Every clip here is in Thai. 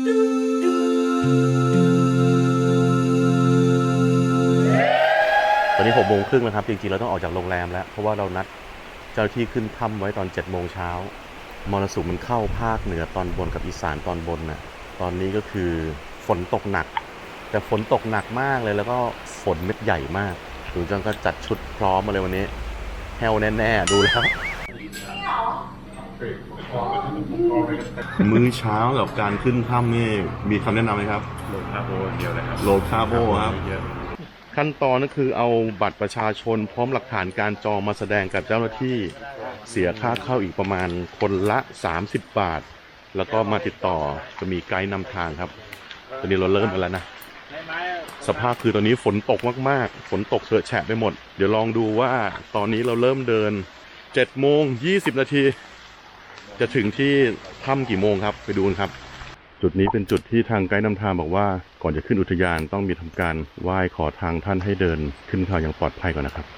ตอนนี้6 โมงครึ่งแล้วครับจริงๆเราต้องออกจากโรงแรมแล้วเพราะว่าเรานัดเจ้าหน้าที่ขึ้นถ้ำไว้ตอน7 โมงเช้ามรสุมมันเข้าภาคเหนือตอนบนกับอีสานตอนบนน่ะตอนนี้ก็คือฝนตกหนักแต่ฝนตกหนักมากเลยแล้วก็ฝนเม็ดใหญ่มากลุงจังก็จัดชุดพร้อมมาเลยวันนี้แฮวแน่ๆดูแล้วมื้อเช้ากับการขึ้นถ้ำนี่มีคำแนะนำไหมครับโหลดคาร์โบเดียวเลยครับโหลดคาร์โบครับขั้นตอนก็คือเอาบัตรประชาชนพร้อมหลักฐานการจองมาแสดงกับเจ้าหน้าที่เสียค่าเข้าอีกประมาณคนละ30 บาทแล้วก็มาติดต่อจะมีไกด์นำทางครับตอนนี้เราเริ่มกันแล้วนะสภาพคือตอนนี้ฝนตกมากๆฝนตกเฉอะแฉะไปหมดเดี๋ยวลองดูว่าตอนนี้เราเริ่มเดิน7 โมง 20 นาทีจะถึงที่ถ้ำกี่โมงครับไปดูกันครับจุดนี้เป็นจุดที่ทางไกด์นำทางบอกว่าก่อนจะขึ้นอุทยานต้องมีทำการไหว้ขอทางท่านให้เดินขึ้นเขาอย่างปลอดภัยก่อนนะครับ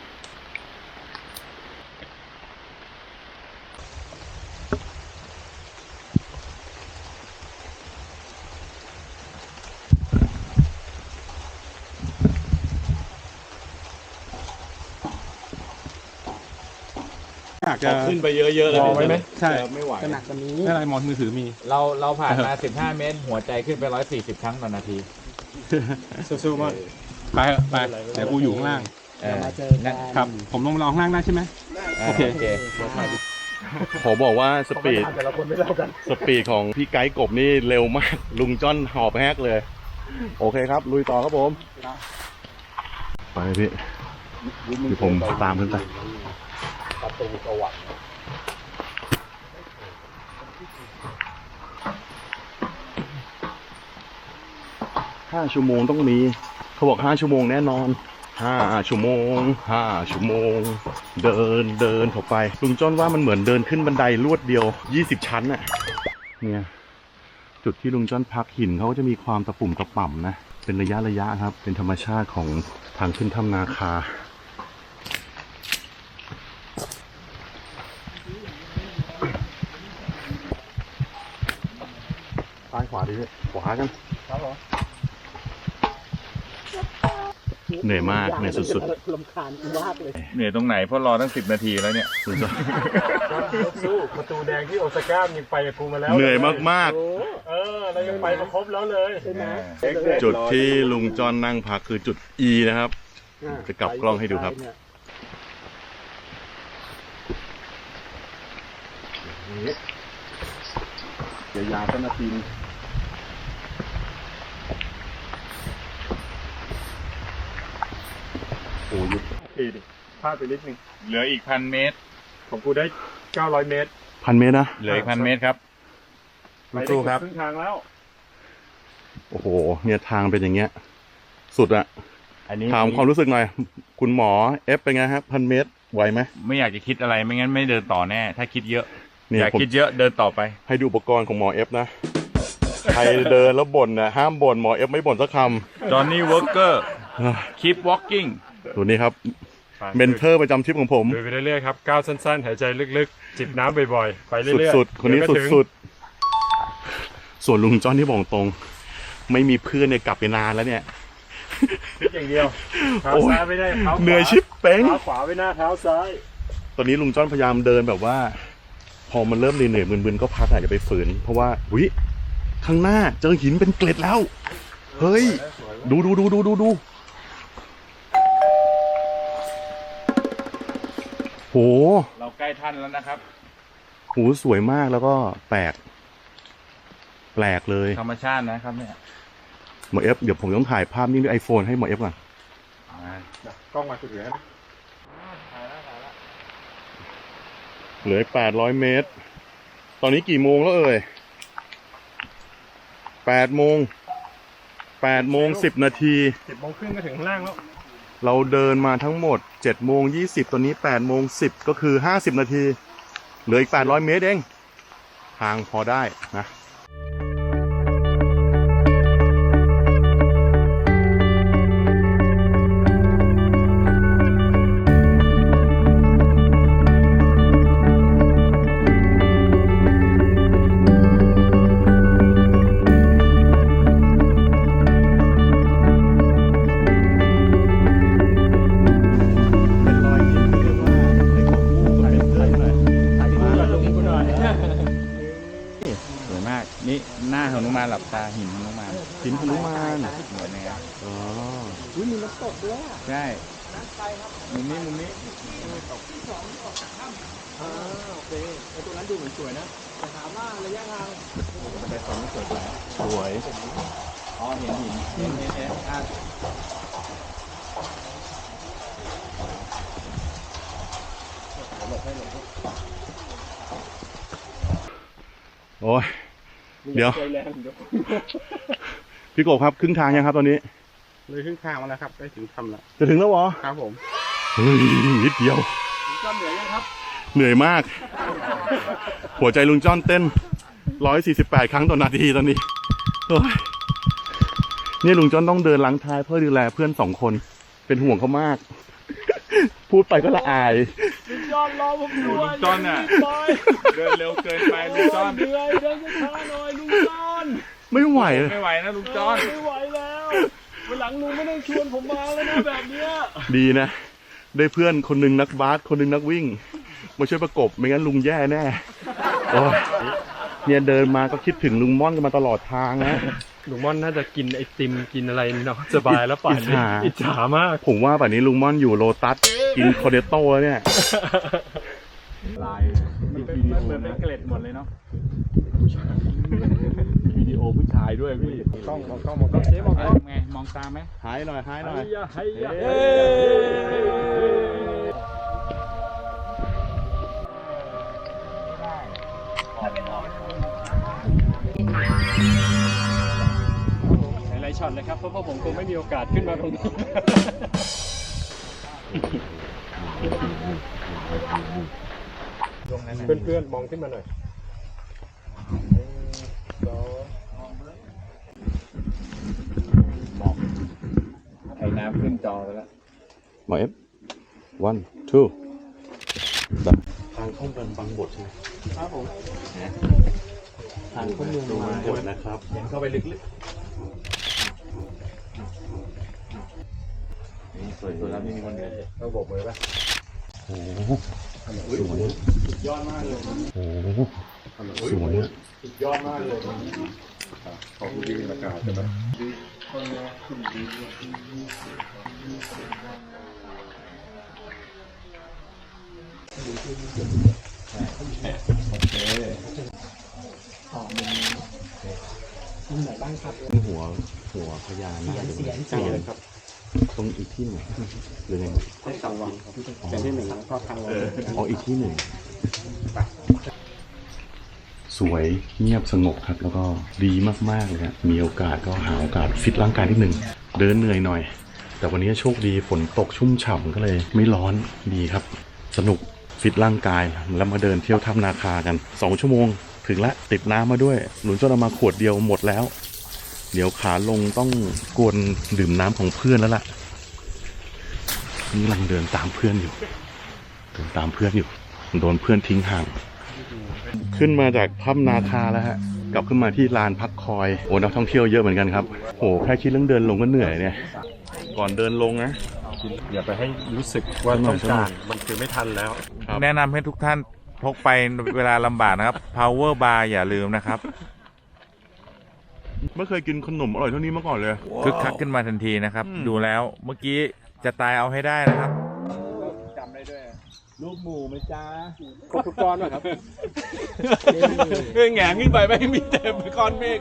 อยากจะขึ้นไปเยอะๆเลยใช่ไหมใช่ไม่ไหวจะหนักกว่านี้ไม่อะไรมองมือถือมีเราผ่านมา 15 เมตร หัวใจขึ้นไป 140 ครั้งต่อนาทีสู้ๆมากไปเถอะไปเดี๋ยวกูอยู่ข้างล่างมาเจอกันครับ ผมลงมาลองข้างล่างได้ใช่ไหมโอเคขอบอกว่าสปีดของพี่ไกด์กบนี่เร็วมากลุงจ้อนหอบแฮกเลยโอเคครับลุยต่อครับผมไปพี่เดี๋ยวผมตามขึ้นไป5 ชั่วโมงต้องมีเขาบอก5 ชั่วโมงแน่นอน5 ชั่วโมง5 ชั่วโมงเดินเข้าไปลุงจ้อนว่ามันเหมือนเดินขึ้นบันไดลวดเดียว20 ชั้นน่ะเนี่ยจุดที่ลุงจ้อนพักหินเขาก็จะมีความตะปุ่มตะป่ำนะเป็นระยะครับเป็นธรรมชาติของทางขึ้นถ้ำนาคาซ้ายขวาดิพี่ขวากันเหนื่อยมากเหนื่อยสุดๆลำคาญมากเลยเหนื่อยตรงไหนเพราะรอตั้ง10 นาทีแล้วเนี่ยสุดยอดสู้ประตูแดงที่โอซาก้ายังไปกับกูมาแล้วเหนื่อยมากเรายังไปมาครบแล้วเลยใช่ไหมๆจุดที่ลุงจอนนั่งพักคือจุด E นะครับจะกลับกล้องให้ดูครับยาวๆสักนาทีโอ้ยทีดิพลาดไปนิดนึงเหลืออีก 1,000 เมตรของกูได้900 เมตร 1,000 เมตรนะเหลืออีก 1,000 เมตรครับไปได้ครึ่งทางแล้วโอ้โหเนี่ยทางเป็นอย่างเงี้ยสุดอะอันนี้ถามความรู้สึกหน่อยคุณหมอเอฟเป็นไงครับ1,000 เมตรไหวไหมไม่อยากจะคิดอะไรไม่งั้นไม่เดินต่อแน่ ถ้าคิดเยอะเนี่ยอยากคิดเยอะเดินต่อไปให้ดูอุปกรณ์ของหมอเอฟนะใครเดินแล้วบ่นนะห้ามบ่นหมอเอฟไม่บ่นสักคำจอห์นนี่วอร์เกอร์ keep walking ตัวนี้ครับเมนเทอร์ประจำทริปของผมเดินไปเรื่อยๆครับก้าวสั้นๆหายใจลึกๆจิบน้ำบ่อยๆไปเรื่อยๆสุดๆคนนี้สุดๆส่วนลุงจ้อนที่บอกตรงไม่มีเพื่อนเนี่ยกลับไปนานแล้วเนี่ยคิดอย่างเดียวเท้าซ้ายไม่ได้เท้าขวาเหนื่อยชิบเป้งเท้าขวาไม่หน้าเท้าซ้ายตอนนี้ลุงจ้อนพยายามเดินแบบว่า พอมันเริ่มเหนื่อยๆมึนๆก็พักอาจจะไปฝืนเพราะว่าวิข้างหน้าเจอหินเป็นเกล็ดแล้วเฮ้ยดูโหเราใกล้ท่านแล้วนะครับโหสวยมากแล้วก็แปลกเลยธรรมชาตินะครับเนี่ยหมอเอฟเดี๋ยวผมต้องถ่ายภาพนิ่งด้วย iPhone ให้หมอเอฟก่อนกล้องมาสุดเหลือเหลือ800 เมตรตอนนี้กี่โมงแล้วเอ่ย8 โมง10 นาที 10 โมงครึ่งก็ถึงข้างล่างแล้วเราเดินมาทั้งหมด7 โมง 20ตอนนี้8 โมง 10ก็คือ50 นาทีเหลืออีก800 เมตรเองทางพอได้นะหน้าหนุมานหลับตาหินหนุมานหินหนุมานเหมือนนะครับอ๋อมีน้ำตกด้วยใช่มุมนี้มุมนี้สวยอ๋อเห็นหินอ่ะโอ้ยเดี๋ยว พี่กบครับครึ่งทางยังครับตอนนี้เลยครึ่งทางมาแล้วครับใกล้ถึงทำแล้วจะถึงแล้วเหรอครับผมเฮ้ยนิดเดียวก็เหนื่อยยังครับเหนื่อยมาก หัวใจลุงจ้อนเต้น 148 ครั้งต่อนาทีตอนนี้โอ้ยเนี่ยลุงจ้อนต้องเดินล้างท้ายเพื่อดูแลเพื่อน2 คน เป็นห่วงเขามาก พูดไปก็ละอายจอนน่ะเดินเร็วเกินไปลุงจอนไม่ไหวไม่ไหวนะลุงจอนดีนะ ได้เพื่อนคนหนึ่งนักบาสคนหนึ่งนักวิ่ง มาช่วยประกบไม่งั้นลุงแย่แน่โอ้ยเนี่ยเดินมาก็คิดถึงลุงม่อนกันมาตลอดทางนะลุงม่อนน่าจะกินไอติมกินอะไรเนาะสบายแล้วป่านนี้อิจฉามากผมว่าป่านนี้ลุงม่อนอยู่โลตัสกินคอเดโต้แล้วเนี่ยมันเหมือนเป็นเกล็ดหมดเลยเนาะวิดีโอผู้ชายด้วยพี่ต้องมองเจ๊มองไงมองตามไหมหายหน่อยหายหน่อยหลายๆช็อตเลยครับเพราะผมคงไม่มีโอกาสขึ้นมาตรงนี้ เพื่อนๆมองขึ้นมาหน่อยไอ้น้ำขึ้นจอไปแล้วมาเอฟ one two ทางเข้าเมืองบางบดใช่ไหมครับผมทางเข้าเมืองบางบดนะครับเห็นเข้าไปลึกๆสวยๆแล้วนี่มีคนเดินต้องโบกมือป่ะโอ้โหสวยสุดยอดมากเลยโอ้โหสวยอ่ะสุดยอดมากเลยขอบคุณดีอากาศใช่ไหมหัวพญานาคเสียนครับตรงอีกที่หนึ่งหรือไงที่สองวังเป็นที่หนึ่งภาพทางอ๋ออีกที่หนึ่งสวยเงียบสงบครับแล้วก็ดีมากๆเลยครับมีโอกาสก็หาโอกาสฟิตร่างกายนิดนึงเดินเหนื่อยหน่อยแต่วันนี้โชคดีฝนตกชุ่มฉ่ำก็เลยไม่ร้อนดีครับสนุกฟิตร่างกายแล้วมาเดินเที่ยวถ้ำนาคากัน2 ชั่วโมงถึงละติดน้ำมาด้วยหนุนจนเอามาขวดเดียวหมดแล้วเดี๋ยวขาลงต้องกวนดื่มน้ำของเพื่อนแล้วล่ะนี่กำลังเดินตามเพื่อนอยู่โดนเพื่อนทิ้งห่างขึ้นมาจากถ้ำนาคาแล้วฮะกลับขึ้นมาที่ลานพักคอยโอ้นักท่องเที่ยวเยอะเหมือนกันครับโหแค่คิดเรื่องเดินลงก็เหนื่อยเนี่ยก่อนเดินลงนะอย่าไปให้รู้สึกว่าต้องการมันคือไม่ทันแล้วแนะนำให้ทุกท่านพกไปเวลาลำบากนะครับ power bar อย่าลืมนะครับไม่เคยกินขนมอร่อยเท่านี้มาก่อนเลยคึกคักขึ้นมาทันทีนะครับ ดูแล้วเมื่อกี้จะตายเอาให้ได้นะครับจำได้ด้วยลูกหมูไหมจ้าครบทุกก้อนป่ะครับแหงขึ้นไปไม่มีเต็มก้อนเมฆ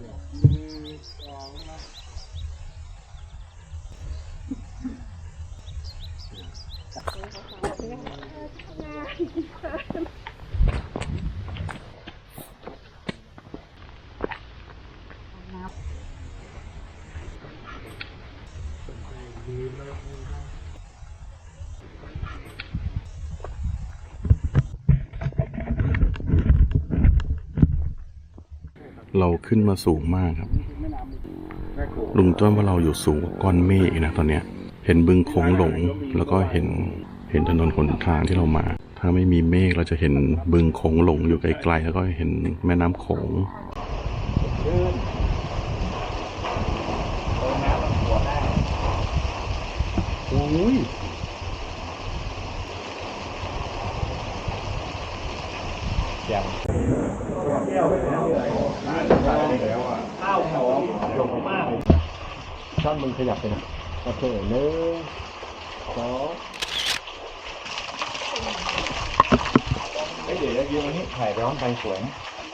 เราขึ้นมาสูงมากครับลุงจ้อนว่าเราอยู่สูงกว่าก้อนเมฆอีกนะตอนเนี้ยเห็นบึงโขงหลงแล้วก็เห็นถนนหนทางที่เรามา ถ้าไม่มีเมฆเราจะเห็นบึงโขงหลงอยู่ไกลๆแล้วก็เห็นแม่น้ำโขงโอ้ยแล้วอ่ะข้าวหอมหยกมากช่อนมึงขยับไปนะโอเค1 2เดี๋ยวยืนตรงนี้ถ่ายร้องไปสวยนะ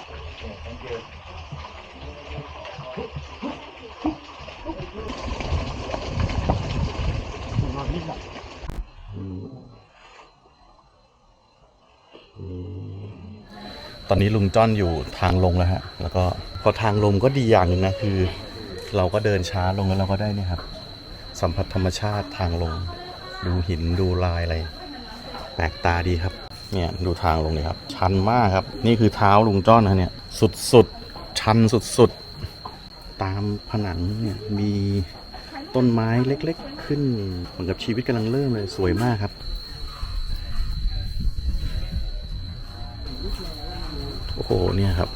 ตอนนี้ลุงจ้อนอยู่ทางลงแล้วฮะแล้วก็พอทางลงก็ดีอย่างหนึ่งนะคือ เราก็เดินช้าลงแล้วเราก็ได้เนี่ยครับสัมผัสธรรมชาติทางลงดูหินดูลายอะไรแปลกตาดีครับเนี่ยดูทางลงเลยครับชันมากครับนี่คือเท้าลุงจ้อนนะเนี่ยสุดชันสุดตามผนังเนี่ยมีต้นไม้เล็กๆขึ้นเหมือนกับชีวิตกำลังเริ่มเลยสวยมากครับโอ้โหเนี่ยครับ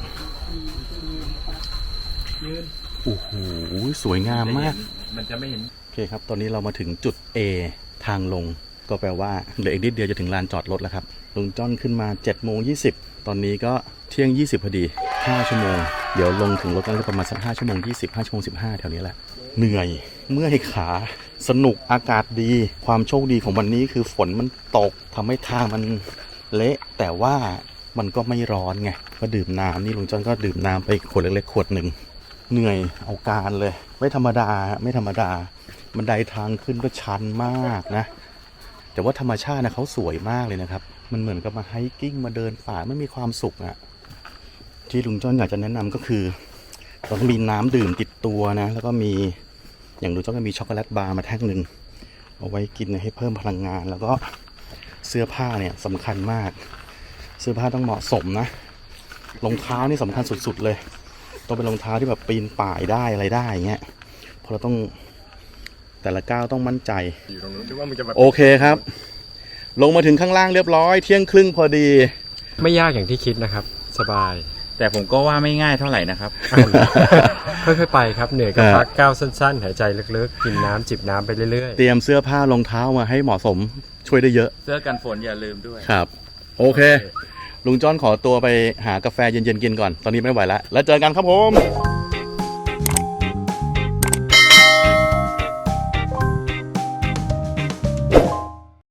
โอ้โหสวยงามมากมันจะไม่เห็นโอเคครับตอนนี้เรามาถึงจุด A ทางลงก็แปลว่าเหลืออีกนิดเดียวจะถึงลานจอดรถแล้วครับลุงจ้อนขึ้นมา7:20ตอนนี้ก็เที่ยง20พอดี5ชั่วโมงเดี๋ยวลงถึงรถก็ประมาณสัก5ชั่วโมง20 5ชั่วโมง15แถวนี้แหละเหนื่อยเมื่อยขาสนุกอากาศดีความโชคดีของวันนี้คือฝนมันตกทำให้ทางมันเละแต่ว่ามันก็ไม่ร้อนไงก็ดื่มน้ำนี่ลุงจ้อนก็ดื่มน้ำไปขวดเล็กๆขวดหนึ่งเหนื่อยเอาการเลยไม่ธรรมดาบันไดทางขึ้นก็ชันมากนะแต่ว่าธรรมชาตินะเขาสวยมากเลยนะครับมันเหมือนกับมาไฮกิ้งมาเดินป่าไม่มีความสุขอะที่ลุงจ้อนอยากจะแนะนำก็คือเราต้องมีน้ำดื่มติดตัวนะแล้วก็มีอย่างลุงจ้อนก็มีช็อกโกแลตบาร์มาแท่งหนึ่งเอาไว้กินให้เพิ่มพลังงานแล้วก็เสื้อผ้าเนี่ยสำคัญมากเสื้อผ้าต้องเหมาะสมนะรองเท้านี่สำคัญสุดๆเลยต้องเป็นรองเท้าที่แบบปีนป่ายได้อะไรได้อย่างเงี้ยเพราะเราต้องแต่ละก้าวต้องมั่นใจโอเคครับ ลงมาถึงข้างล่างเรียบร้อยเที่ยงครึ่งพอดีไม่ยากอย่างที่คิดนะครับ สบายแต่ผมก็ว่าไม่ง่ายเท่าไหร่นะครับค่อยๆไปครับเหนื่อยก็พักก้าวสั้นๆหายใจลึกๆกินน้ำจิบน้ำไปเรื่อยๆเตรียมเสื้อผ้ารองเท้ามาให้เหมาะสมช่วยได้เยอะเสื้อกันฝนอย่าลืมด้วยครับโอเคลุงจ้อนขอตัวไปหากาแฟเย็นๆกินก่อนตอนนี้ไม่ไหวแล้วเจอกันครับผม